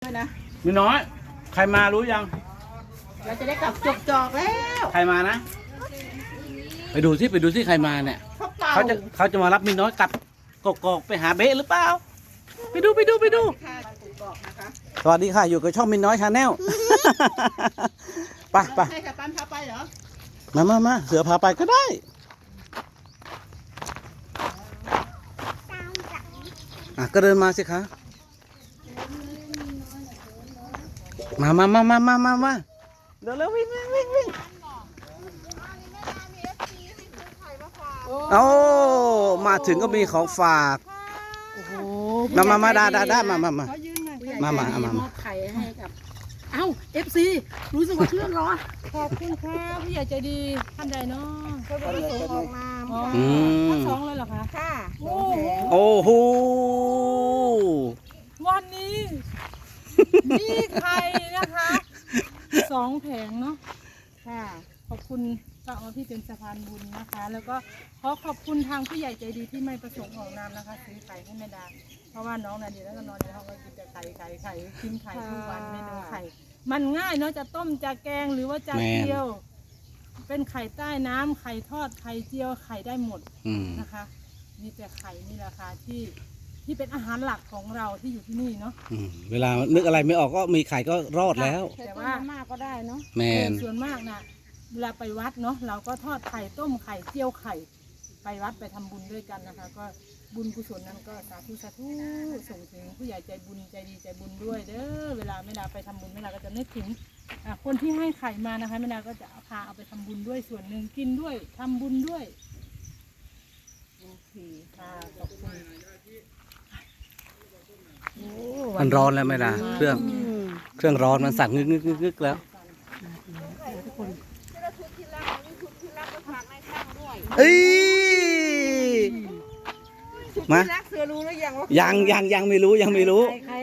ด้วยนะมีน้อย ใครมารู้ยังเราจะได้กลับจอกแล้วใครมานะ ไปดูที่ใครมาเนี่ย เขาจะมารับมีน้อยกลับกอกไปหาเบ๊ะหรือเปล่า ไปดูค่ะบอกนะคะสวัสดีค่ะ อยู่กับช่องมินน้อยชาแนล ไปให้กับปันพาไปเหรอมาเสือพาไปก็ได้ก็เดินมาสิคะมาเร็ววิ่งโอ้มาถึงก็มีของฝากโอ้โหมาได้มาขอยืนหน่อยมามอบไข่ให้กับ เอ้า FC รู้สึกว่าเครื่องร้อนขอบคุณครับพี่ใหญ่ใจดีท่านใดเนาะก็ไปส่งออกมาทั้งสองเลยเหรอคะค่ะโอ้โหโอ้โหวันนี้มีไข่นะคะ2 แผงเนาะค่ะขอบคุณป้าออที่เป็นสะพานบุญนะคะ แล้วก็ขอบคุณทางผู้ใหญ่ใจดีที่ไม่ประสงค์ออกนามนะคะซื้อไข่ให้แม่ดาเพราะว่าน้องนาดีแล้วก็นอนในห้องก็กินแต่ไข่กินไข่ทุกวันเมนูไข่มันง่ายเนาะจะต้มจะแกงหรือว่าจะเจียวเป็นไข่ใต้น้ำไข่ทอดไข่เจียวไข่ได้หมดนะคะมีแต่ไข่นี่แหละค่ะที่เป็นอาหารหลักของเราที่อยู่ที่นี่เนาะเวลานึกอะไรไม่ออกก็มีไข่ก็รอดแล้วแต่ว่ามากก็ได้เนาะแมนส่วนมากนะเวลาไปวัดเนาะเราก็ทอดไข่ต้มไข่เจียวไข่ไปวัดไปทำบุญด้วยกันนะคะ ก็บุญกุศลนั้นก็สาธุส่งถึงผู้ใหญ่ใจบุญใจดีใจบุญด้วยเด้อเวลาแม่ดาไปทำบุญแม่ดาก็จะนึกถึงคนที่ให้ไข่มานะคะแม่ดาก็จะพาเอาไปทำบุญด้วยส่วนหนึ่งกินด้วยทำบุญด้วยโอเคค่ะขอบคุณมันร้อนแล้วไหมล่ะเครื่องร้อนมันสั่นงึกแล้วเอ้ยมารักเสือรู้หรือยังว่ายังไม่รู้ใคร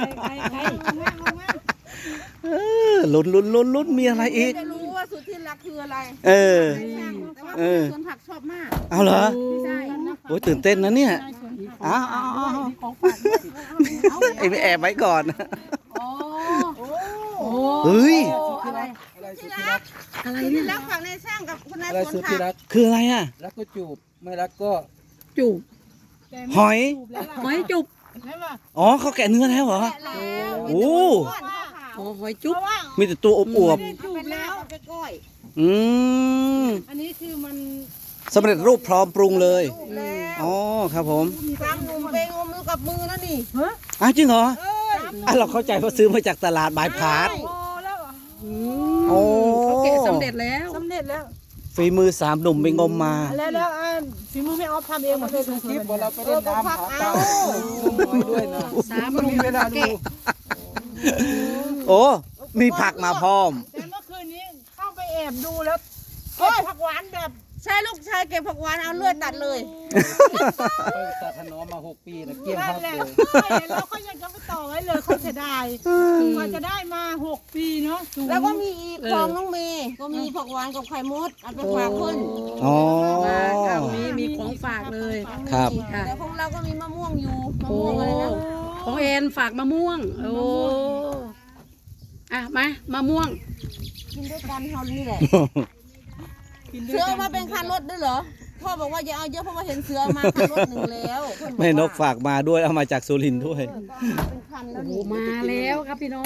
ลุ้นมีอะไรอีกจะรู้ว่าสุดที่รักคืออะไรเออแต่ว่าสวนผักชอบมากเอาเหรอใช่โอ้ยตื่นเต้นนะเนี่ยเอาของฝากไอ้ไปแอบไว้ก่อนโอ้เฮ้ยอะไรที่รักฝั่งในช่างกับคนในอะไรสวนสุดผัที่กรักคืออะไรอ่ะรักก็จูบไม่รักก็จูบหอยหอยจุบใช่ป่ะอ๋อเขาแกะเนื้อแล้วเหรอ โอ้หอยจุบมีแต่ตัวอวบจูบแล้วไปก้อยๆอืมอันนี้คือมันสำเร็จรูปพร้อมปรุงเลยแล้วอ๋อครับผมตามหนุ่มไปงมมือกับมือนะนี่ฮะอ้าวจริงเหรอเราเข้าใจว่าซื้อมาจากตลาดบายพาสโอ้แล้วเหรอโอ้เขาแกะสำเร็จแล้วสำเร็จแล้วฝีมือ3 หนุ่มไปงมมาแล้วฝีมือไม่ออฟทำเองหมดเลยคลิปว่าเราไปเล่นน้ำหาปลาน้อยด้วยนะ 3 มีเวลาดูโอ้ มีผักมาพร้อมแต่เมื่อคืนนี้เข้าไปแอบดูแล้วเก็บผักหวานแบบใช่ลูกชายเก็บผักหวานเอาเลือดตัดเลยไปตัดถนอมมา6 ปีนะเกลี้ยงนั่พันกแหละเลยแล้วก็ยังจะไปต่อไว้เลยเขาเสียดายกว่าจะได้มา6 ปีเนาะแล้วก็มีอีกของน้องเมย์ก็มีผักหวานกับไข่มดเอาไปฝากเพิ่นอ๋อมีของฝากเลยครับค่ะแต่ของเราก็มีมะม่วงอยู่มะม่วงอะไรนะของแอนฝากมะม่วง โอ้อะมะม่วงกินด้วยกันเท่านี้แหละเสือเอามาเป็นคันรถด้วยเหรอพ่อบอกว่าอย่าเอาเยอะเพราะว่าเห็นเสือมาคันรถหนึ่งแล้วเพิ่บอกแม่นกว่าฝากมาด้วยเอามาจากสุรินทร์ด้วยก็เอามาเป็นคันแล้วโอ้นี่มาแล้วครับพี่น้อง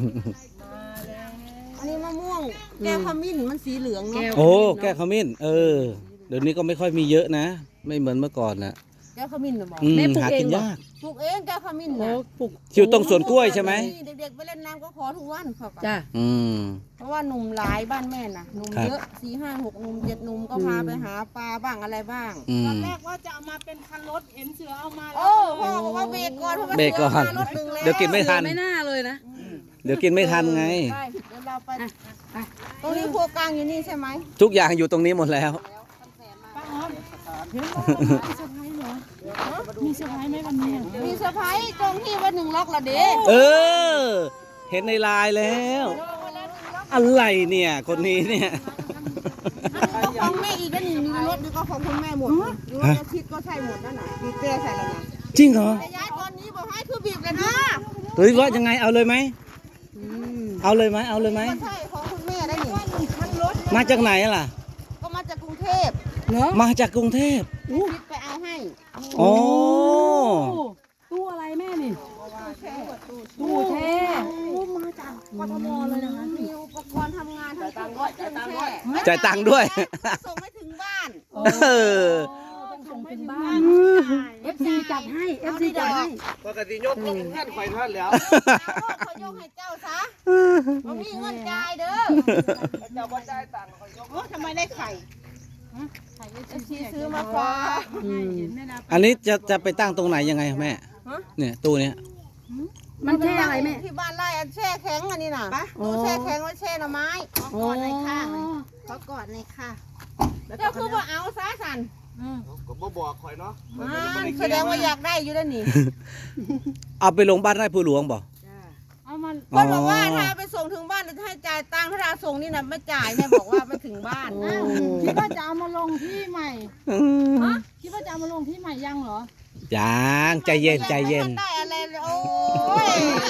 อันนี้มะม่วงแก้วขมิ้นมันสีเหลืองเนาะแก้วโอ้ แก้ขมิ้น เดี๋ยวนี้ก็ไม่ค่อยมีเยอะนะ ไม่เหมือนเมื่อก่อนนะแก้วขมิ้นเหรอหมอหากินยากปลูกเองแก้วขมิ้นโอ้นะปลุกอยู่ตรงสวนกล้วยใช่ไหมเด็กๆไปเล่นน้ำก็ขอทุกวันเขาก็จ้ะอืมเพราะว่าหนุ่มหลายบ้านแม่น่ะหนุ่มครับเยอะ4 5 6หนุ่ม7หนุ่มก็พาไปหาปลาบ้างอะไรบ้างอืตอมนแรกว่าจะเอามาเป็นคันรถเห็นเสือเอามาแล้วโอ้พ่อบอกว่าเบรกก่อนเพราะว่าเบรกก่อนสืมารถหนึ่งแล้วเดี๋ยวกินไม่ทันไม่น่าเลยนะเดี๋ยวกินไม่ทันไงใช่เดี๋ยวเราไปไปตรงนี้ครัวกลางอยู่นี่ใช่ไหมทุกอย่างอยู่ตรงนี้หมดแล้วป้าออมเห็นว่ามีเซอร์ไพรส์เหรอมีเซอร์ไพรส์ไหมวันนี้มีเซอร์ไพรส์ตรงที่ว่า1 ล็อกละเด้เออ เห็นในไลน์แล้ว อะไรเนี่ย คนนี้เนี่ยก็ของแม่อีกก็นี่มีรถนี่ก็ของคุณแม่หมดอยู่รถอาทิตย์ก็ใช่หมดนั่นน่ะมีเต้ใส่แล้วนะจริงเหรอจะย้ายตอนนี้บอกให้คือบีบเลยนะหรือว่ายังไงเอาเลยไหมอืมเอาเลยไหมเอาเลยไหมก็ใช่ของคุณแม่ได้นี่คันรถมาจากไหนล่ะก็มาจากกรุงเทพเนาะมาจากกรุงเทพคิดไปเอาให้อ๋อตู้อะไรแม่นี่ตู้แช่มาจากกทมเลยนะคะมีอุปกรณ์ทำงานทั้งตู้แช่จ่ายตังค์ด้วยส่งไม่ถึงบ้านเออต้องส่งถึงบ้าน FC จัดให้ FC จัดให้ปกติยกต้องแค่ไฟท่านแล้วเขาโยกให้เจ้าซะมันมีเงินจ่ายเด้อเจ้าบ่ได้ตังค์คอยยกโอ้ทำไมได้ไข่ไข่เอฟซีซื้อมาฝากเห็นแม่ดาอันนี้จะไปตั้งตรงไหนยังไงแม่ฮะเนี่ยตู้เนี้ยมันแช่อะไรแม่ที่บ้านไร่อันแช่แข็งอันนี้น่ะอ๋อตู้แช่แข็งไว้แช่หน่อไม้โอ้เขากอดในค่ะเจ้าคือว่าเอาซะสันก็บ่บอกคอยเนาะมันแสดงว่าอยากได้อยู่แล้วนี่เอาไปลงบ้านไร่ผู้หลวงบอกเอามาอ๋อเพิ่นบอกว่าถ้าไปส่งถึงบ้านจะให้จ่ายตังค์ถ้าเราส่งนี่น่ะไม่จ่ายแม่บอกว่าไม่ถึงบ้านโอ้คิดว่าจะเอามาลงที่ใหม่ฮะคิดว่าจะเอามาลงที่ใหม่ยังเหรอยังใจเย็นใจเย็นไม่ได้อะไรเลยโอ้ย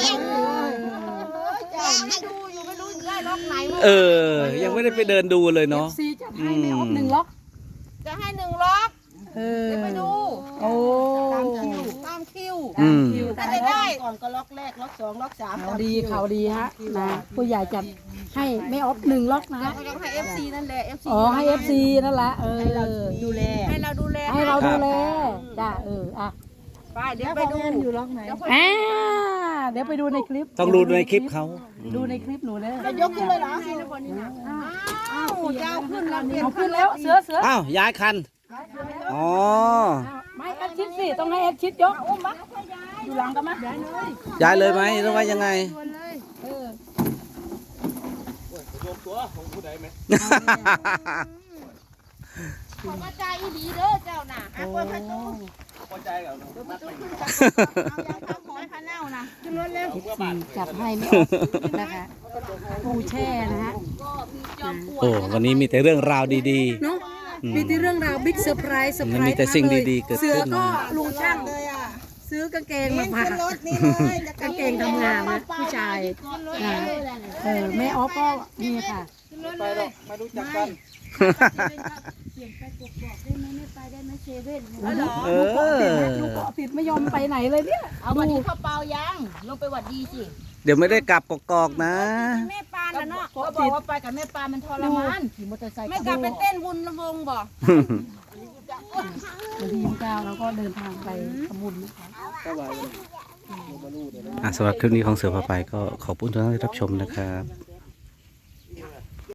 จ่ายให้ดูอยู่ไม่รู้ได้ล็อกไหนเออ ยังไม่ได้ไปเดินดูเลยเนาะ FC จัดให้แม่ออฟหนึ่งล็อกจะให้1 ล็อกเออเดี๋ยวไปดูโอ้ตามคิวอืมถ้าได้ก่อนก็ล็อกแรกล็อก2ล็อก3 เขาดีเขาดีฮะนะผู้ใหญ่จัดให้แม่ออฟหนึ่งล็อกนะแล้วก็ต้องให้ FC นั่นแหละ FC อ๋อให้ FC นั่นแหละเออดูแลให้เราดูแลให้เราดูแลจ้าอ่ะไปเดี๋ยวไปดูอยู่ล็อกไหนอ่าเดี๋ยวไปดูในคลิปต้องดูในคลิปเขาดูในคลิปหนูเด้อจะยกขึ้นเลยเหรออ้าวจะเอาขึ้นแล้วเปลี่ยนเอาขึ้นแล้วเสืออ้าวย้ายคัน อ๋อไม่แอดชิดสิต้องให้แอดชิดยกอุ้มมาอยู่หลังกันมาย้ายเลยไหมหรือว่ายังไงโยมตัวของผู้ใดไหมขอกระจายอีดีเด้อเจ้าน่ะอ่ะเปิดประตูพอใจกับน้องนัดไปเอายาทำของพาเน่านะขึ้นรถเร็วจัดให้ไม่ออกนะคะปูแช่นะฮะโอ้วันนี้มีแต่เรื่องราวดีเนาะมีที่เรื่องราวบิ๊กเซอร์ไพรส์มันมีแต่สิ่งดีๆเกิดขึ้นเสือก็ลุงช่างซื้อกางเกงมาฝากรถนี่เลยกางเกงทำงานนะผู้ชายนะแม่ออฟก็นี่ค่ะไปหรอกไม่รู้จักกันเอลูกอเกาะติดไม่ยอมไปไหนเลยเนี่ยเอาวันนี้เข้าเปล่ายังลงไปหวัดดีสิเดี๋ยวไม่ได้กลับกอกๆนะแม่ปานนะเนาะเขาบอกว่าไปกับแม่ปานมันทรมานขี่มอเตอร์ไซค์ไม่กลับไปเต้นบุญละวงบ่วันที่29เราก็เดินทางไปทำบุญนะคะสำหรับคลิปนี้ของเสือพาไปก็ขอบคุณทุกท่านที่รับชมนะครับ